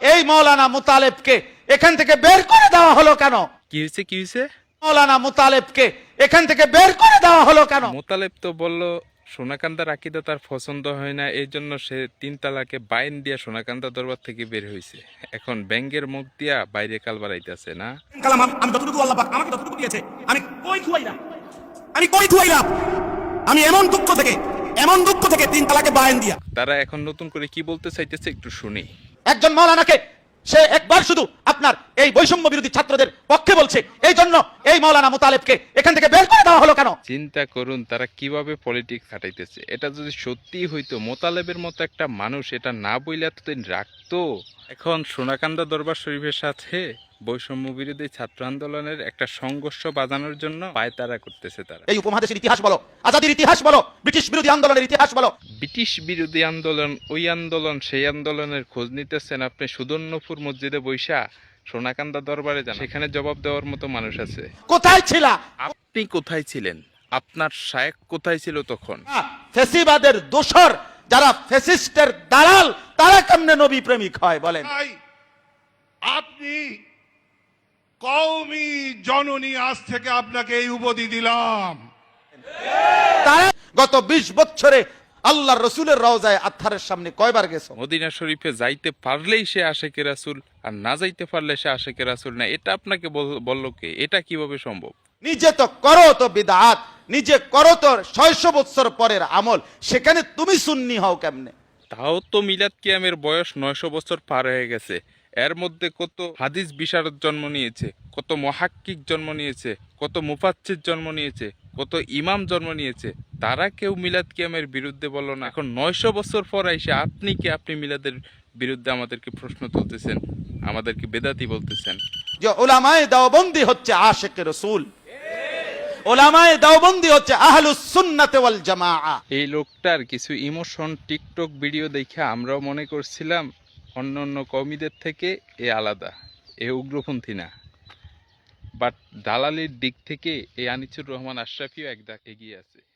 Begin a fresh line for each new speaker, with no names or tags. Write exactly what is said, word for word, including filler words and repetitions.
এই মৌলানা মুতালেবকে এখান থেকে বের করে দেওয়া হলো কেন?
কি হয়েছে কি হয়েছে
মৌলানা মুতালেবকে এখান থেকে বের করে দেওয়া হলো কেন?
মোতালেব তো বললো সোনাকান্দার আকিদা তার পছন্দ হয় না, এই জন্য সে তিন তালাকে বাইন দিয়া সোনাকান্দা দরবার থেকে বের হয়েছে। এখন ব্যাঙ্গের মুখ দিয়া বাইরে কাল বাড়াইতেছে না।
কালাম আমি যতটুকু আল্লাহ পাক আমাকে যতটুকু দিয়েছে আমি কই থুয়াইলাম, আমি কই থুয়াইলাম, আমি এমন দুঃখ থেকে এমন দুঃখ থেকে তিন তালাকে বায়ান দিয়া।
তারা এখন নতুন করে কি বলতে চাইতেছে একটু শুনি।
একজন মৌলানাকে সে একবার শুধু আপনার এই বৈষম্য বিরোধী ছাত্রদের পক্ষে বলছে, এই জন্য এই মৌলানা মুতালেবকে এখান থেকে বের করে দেওয়া হলো কেন?
চিন্তা করুন তারা কিভাবে পলিটিক্স খাটাইতেছে। এটা যদি সত্যি হইতো মোতালেবের মতো একটা মানুষ এটা না বইলে এতদিন রাখতো। এখন সোনাকান্দা দরবার শরীফের সাথে বৈষম্য বিরোধী ছাত্র আন্দোলনের একটা সংঘর্ষ বাজানোর জন্য পায়তারা করতেছে তারা।
এই উপমহাদেশের ইতিহাস বলো, আজাদির ইতিহাস বলো, ব্রিটিশ বিরোধী আন্দোলনের ইতিহাস বলো।
ব্রিটিশ বিরোধী আন্দোলন, ওই আন্দোলন, সেই আন্দোলনের খোঁজ নিতেছেন আপনি সুদর্ণপুর মসজিদে বৈশা সোনাকান্দা দরবারে যান, সেখানে জবাব দেওয়ার মতো মানুষ আছে।
কোথায় ছিলা?
আপনি কোথায় ছিলেন? আপনার শায়েখ কোথায় ছিল তখন?
ফেসিবাদের দোসর যারা ফেসিস্টের দালাল তারা কেমনে নবী প্রেমিক হয় বলেন?
আপনি কওমি জননী, আজ থেকে আপনাকে এই উপাধি দিলাম।
তারা গত বিশ বছরে আল্লাহর রসুলের রওজায় আত্মারের সামনে কয়বার গেছো?
মদিনা শরীফে যাইতে পারলেই সে আশেকে রাসূল, আর না যাইতে পারলে সে আশেকে রাসূল না। এটা আপনাকে বললো কে? এটা কিভাবে সম্ভব?
নিজে তো করো তো বিদআত, নিজে করো তো ছয়শো বছর পরের আমল, সেখানে তুমি সুন্নি হও কেমনে?
তাও তো মিলাদ কিয়ামের বয়স নয়শো বছর পার হয়ে গেছে। এর মধ্যে কত হাদিস বিশারদ জন্ম নিয়েছে, কত মুহাক্কিক জন্ম নিয়েছে, কত মুফাচ্ছির জন্ম নিয়েছে, কত ইমাম জন্ম নিয়েছে। তারা কেউ মিলাদ কিয়ামের বিরুদ্ধে বলল না। এখন নয়শো বছর পর এসে আপনি কি আপনি মিলাদের বিরুদ্ধে আমাদেরকে প্রশ্ন তুলতেছেন, আমাদেরকে বেদাতি বলতেছেন?
যে উলামায়ে দেওবন্দি হচ্ছে আশিকে রাসূল, উলামায়ে দেওবন্দি হচ্ছে আহলুস সুন্নাত ওয়াল জামাআহ।
এই লোকটার কিছু ইমোশন টিকটক ভিডিও দেখে আমরাও মনে করছিলাম অন্য অন্য কওমিদের থেকে এ আলাদা, এ উগ্রপন্থী না। বাট দালালির দিক থেকে এই আনিসুর রহমান আশরাফিও এক ধাপ এগিয়ে আছে।